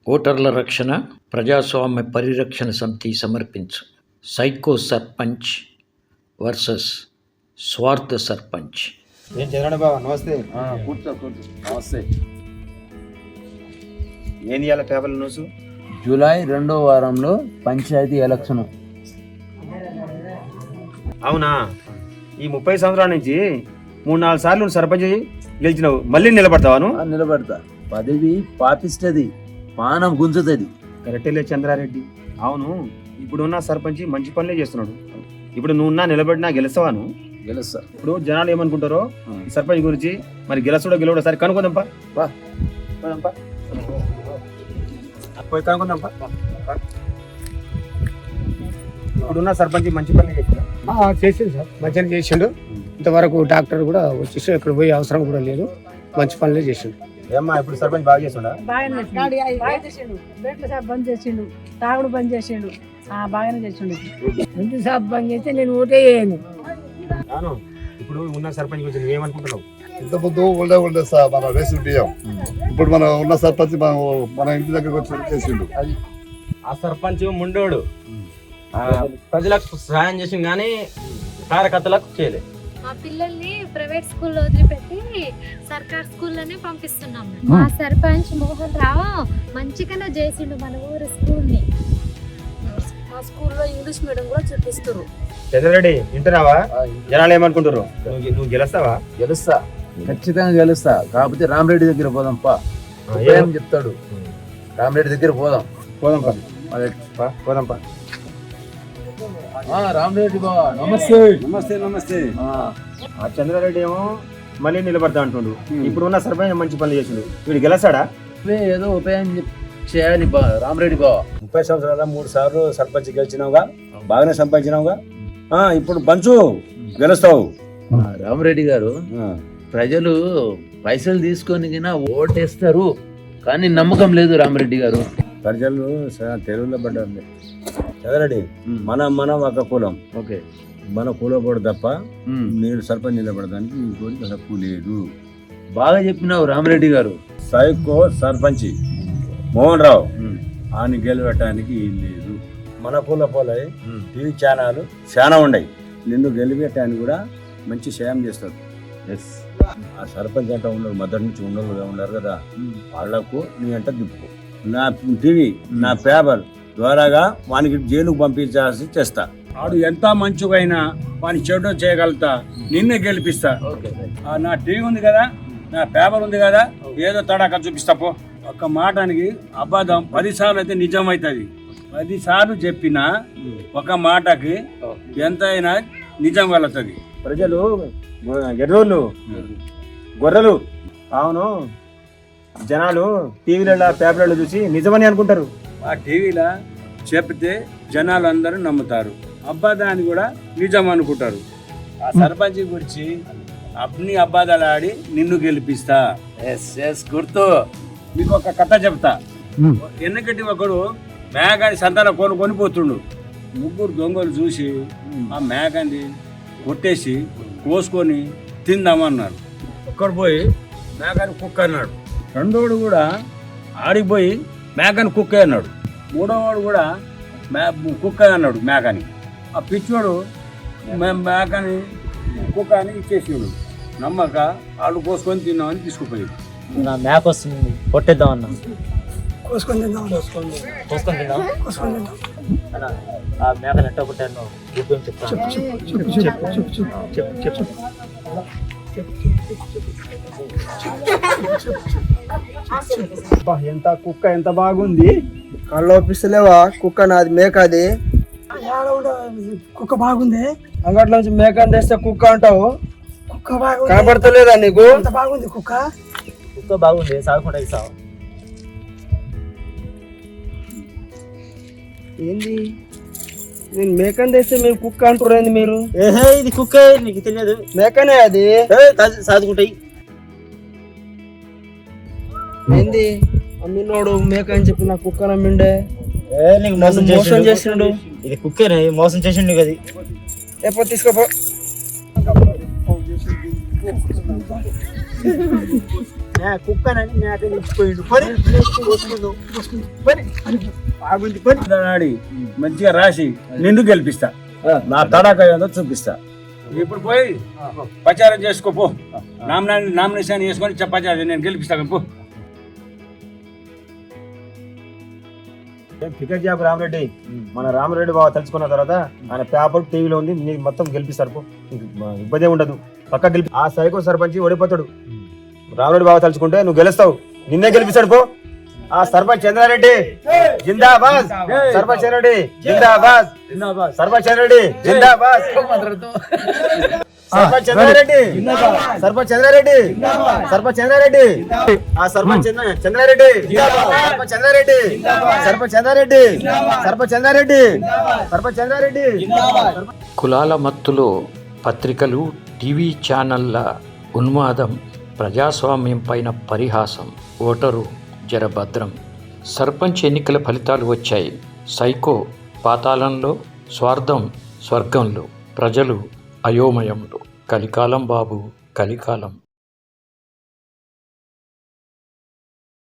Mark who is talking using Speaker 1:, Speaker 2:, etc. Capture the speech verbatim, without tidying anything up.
Speaker 1: ఓటర్ల రక్షణ ప్రజాస్వామ్య పరిరక్షణ సమితి సమర్పించు సైకో సర్పంచ్ వర్సెస్ స్వార్థ సర్పంచ్.
Speaker 2: ఏం చదవండి బాబా, నమస్తే. కూర్చో కూర్చో. నమస్తే. ఏం ఇవ్వాలి పేపర్ల న్యూస్?
Speaker 3: జూలై రెండో వారంలో పంచాయతీ ఎలక్షన్.
Speaker 2: అవునా? ఈ ముప్పై సంవత్సరాల నుంచి మూడు నాలుగు సార్లు నువ్వు సర్పంచ్ గెలిచినావు, మళ్ళీ నిలబడతావాను?
Speaker 3: నిలబడతా. పదవి పాపిస్తుంది, పానం గుంజుతుంది.
Speaker 2: కరెక్టే చంద్రారెడ్డి. అవును, ఇప్పుడున్న సర్పంచ్ మంచి పనులే చేస్తున్నాడు. ఇప్పుడు నువ్వు నా నిలబడినా గెలుస్తావాను?
Speaker 3: గెలుస్తా.
Speaker 2: ఇప్పుడు జనాలు ఏమనుకుంటారో ఈ సర్పంచ్ గురించి, మరి గెలుస్తాడో గెలవడో సరే కనుక్కుందాంపా. బా పోయి కనుక్కుందాంపా. ఇప్పుడున్న సర్పంచ్ మంచి పనులే చేసిందా?
Speaker 4: చేసిండు సార్, మంచిగా చేసిండు. ఇంతవరకు డాక్టర్ కూడా వచ్చేసి ఇక్కడ పోయే అవసరం కూడా లేదు, మంచి పనులే చేసిండు.
Speaker 2: ఏమ్మా ఇప్పుడు సర్పంచ్ బాగా చేస్తుండా?
Speaker 5: బెడ్ల షాప్ బంద్ చేసిండు, తాగుడు బంద్ చేసిండు, బాగానే చేసిండు. ఇంటి షాప్ బంద్ చేస్తే నేను ఓటే చేయను.
Speaker 2: ఇప్పుడు ఉన్న సర్పంచ్ గురించి నువ్వేమనుకుంటున్నావు?
Speaker 6: ఇంత ముందు ఉండే ఉండే సార్ మన రేషన్ బియ్యం, ఇప్పుడు మన ఉన్న సర్పంచ్ మన మన ఇంటి దగ్గరకు వచ్చి చేసిండు.
Speaker 7: అది ఆ సర్పంచ్ ముండోడు ప్రజలకు సహాయం చేసింది కానీ కార్యకర్తలకు చేయలేదు.
Speaker 8: మా పిల్లల్ని ప్రైవేట్ స్కూల్లో వదిలిపెట్టి సర్కార్ స్కూల్లోనే పంపిస్తున్నాం. మా సర్పంచ్ మోహన్ రావు మంచిగానే చేసిండు మన ఊరు స్కూల్ ని.
Speaker 5: మా స్కూల్లో ఇంగ్లీష్ మీడియం కూడా చూపిస్తారు.
Speaker 2: చంద్రారెడ్డి వింటున్నావా? జనాలు ఏమనుకుంటారు? నువ్వు నువ్వు గెలుస్తావా?
Speaker 3: గెలుస్తా, ఖచ్చితంగా గెలుస్తా. కాకపోతే రామరెడ్డి దగ్గర పోదాం పా, ఏం చెప్తాడు. రామరెడ్డి దగ్గర పోదాం.
Speaker 2: పోదాంపా పోదాంపా.
Speaker 3: రామరెడ్డి బాబా నమస్తే.
Speaker 2: నమస్తే నమస్తే. ఆ చంద్రారెడ్డి ఏమో మళ్ళీ నిలబడతా అంటుండు. ఇప్పుడు ఉన్న సర్పంచ్ మంచి పనులు చేసిండు, వీడు గెలుస్తాడా?
Speaker 3: ఏదో ఉపాయం చేయాలి బా రామరెడ్డి బాబా.
Speaker 2: ముప్పై సంవత్సరాల మూడు సార్లు సర్పంచ్ గెలిచినావుగా, బాగానే సంపాదించినావుగా. ఇప్పుడు పంచు గెలుస్తావు.
Speaker 3: రామరెడ్డి గారు, ప్రజలు పైసలు తీసుకొని ఓటేస్తారు కానీ నమ్మకం లేదు రామరెడ్డి గారు.
Speaker 2: ప్రజలు తెలుగులో పడ్డారు. చదరెడ్డి, మనం మనం ఒక కులం,
Speaker 3: ఓకే,
Speaker 2: మన కులపడు తప్ప నేను సర్పంచ్ నిలబడడానికి ఇంకోటి హక్కు లేదు.
Speaker 3: బాగా చెప్పినావు రామరెడ్డి గారు.
Speaker 2: సైకో సర్పంచ్ మోహన్ రావు ఆయన గెలిపెట్టడానికి ఏం లేదు. మన కుల పోలై టీవీ ఛానల్ చాలా ఉన్నాయి, నిన్ను గెలిపెట్టడానికి కూడా మంచి సాయం చేస్తారు. ఆ సర్పంచ్ అంటే ఉన్నారు, మొదటి నుంచి ఉండరు ఉన్నారు కదా, వాళ్లకు నీ అంట దిప్పు. నా టీవీ నా పేపర్ ద్వారాగా వానికి జైలుకు పంపించాల్సి చేస్తా. వాడు ఎంత మంచిగైనా వాని చెడు చేయగలుగుతా, నిన్నే గెలిపిస్తా. నా టీవీ ఉంది కదా, నా పేపర్ ఉంది కదా, ఏదో తడాక చూపిస్తా పో. ఒక్క మాటానికి అబద్ధం పదిసార్లు అయితే నిజం అవుతుంది. పది సార్లు చెప్పిన ఒక మాటకి ఎంతైనా నిజం వెళుతుంది. ప్రజలు ఎర్రోళ్ళు గొర్రెలు. అవును, జనాలు టీవీలలో పేపర్లలో చూసి నిజమని అనుకుంటారు. ఆ టీవీలో చెప్తే జనాలు అందరూ నమ్ముతారు, అబ్బాదాన్ని కూడా నిజం అనుకుంటారు. ఆ సర్పంచ్ గురించి అన్ని అబ్బాదాలు ఆడి నిన్ను గెలిపిస్తా.
Speaker 3: గుర్తు.
Speaker 2: మీకు ఒక కథ చెప్తా. ఎన్నికటి ఒకడు మేఘాన్ని సంతానం కొని కొనిపోతుండు. ముగ్గురు దొంగలు చూసి ఆ మేఘాన్ని కొట్టేసి కోసుకొని తిందామన్నారు. ఒక్కడు పోయి మేఘాన్ని కుక్క అన్నాడు. రెండోడు కూడా ఆడిపోయి మేఘాన్ని కుక్క అన్నాడు. మూడోవాడు కూడా మే కుక్క అన్నాడు మేఘాన్ని. ఆ పిచ్చోడు మేఘాన్ని కుక్క అని ఇచ్చేసాడు. నమ్మక వాళ్ళు కోసుకొని తిన్నామని తీసుకుపోయాడు.
Speaker 7: నా మేక వస్తుంది, కొట్టేద్దాం అన్నా.
Speaker 4: కోసుకొని తిందాం,
Speaker 7: కోసుకొని తిందాం
Speaker 4: కోసుకొని తిందాం.
Speaker 7: ఆ మేకను ఎట్ట కొట్టాను గుర్తు చెప్తాను.
Speaker 2: ఎంత కుక్క ఎంత బాగుంది.
Speaker 4: కళ్ళు ఒప్పిస్తలేవా? కుక్క నాది, మేక అది. కుక్క బాగుంది. అంగట్లో నుంచి మేక తెస్తే కుక్క అంటావు. కుక్క బాగుంది, కనబడతలేదా నీకు? బాగుంది కుక్క.
Speaker 7: కుక్క బాగుంది, సాగుకుండా సాగు.
Speaker 4: ఏంది నేను మేకని తెస్తే మీరు కుక్క అంటుర్రేంది మీరు?
Speaker 7: ఏహే, ఇది కుక్క, నీకు తెలియదు.
Speaker 4: మేకనే అది,
Speaker 7: సాదుకుంటాయి.
Speaker 4: ఏంది అమ్మినోడు మేక అని చెప్పి నా కుక్క నమ్మిండే.
Speaker 7: నీకు మోసం
Speaker 4: మోసం చేసిండు.
Speaker 7: ఇది కుక్కేనే మోసం చేసిండు. అది
Speaker 4: ఎప్పుడు తీసుకోపో.
Speaker 7: కుక్కనని మేక నిలిచిపోయిండు పని పని బాగుంది పని
Speaker 2: ఆడి మంచిగా రాసి నిన్ను గెలిపిస్తా, నా తడాక ఏదో చూపిస్తా. ఇప్పుడు పోయి ప్రచారం చేసుకోపో, నామినా నామినేషన్ చేసుకొని చెప్పాలి, నేను గెలిపిస్తా పో.
Speaker 9: టికెట్ జాబ్ రామరెడ్డి, మన రామరెడ్డి బాబు తెలుసుకున్న తర్వాత ఆయన పేపర్ టీవీలో ఉంది, నీకు మొత్తం గెలిపిస్తారు పో, ఇబ్బంది ఉండదు. పక్క గెలిపి ఆ సైకో సర్పంచ్ ఓడిపోతాడు. రామరెడ్డి బాబు తలుచుకుంటే నువ్వు గెలుస్తావు, నిన్నే గెలిపిస్తాడు పో. ఆ సర్పంచ్ చంద్రారెడ్డి జిందాబాద్, సర్పంచ్ చంద్రారెడ్డి జిందాబాద్, సర్పంచ్ చంద్రారెడ్డి జిందాబాద్, సర్పంచ్ చంద్రారెడ్డి, సర్పంచ్ చంద్రారెడ్డి, సర్పంచ్ చంద్రారెడ్డి, ఆ సర్పంచ్ చంద్రారెడ్డి, సర్పంచ్ చంద్రారెడ్డి, సర్పంచ్ చంద్రారెడ్డి, సర్పంచ్ చంద్రారెడ్డి, సర్పంచ్ చంద్రారెడ్డి.
Speaker 1: కులాల మత్తులో పత్రికలు, టీవీ ఛానళ్ల ఉన్మాదం, ప్రజాస్వామ్యం పైన పరిహాసం. ఓటరు జరభద్రం. సర్పంచ్ ఎన్నికల ఫలితాలు వచ్చాయి. సైకో పాతాళంలో, స్వార్థం స్వర్గంలో, ప్రజలు అయోమయంలో. కలికాలం బాబు, కలికాలం.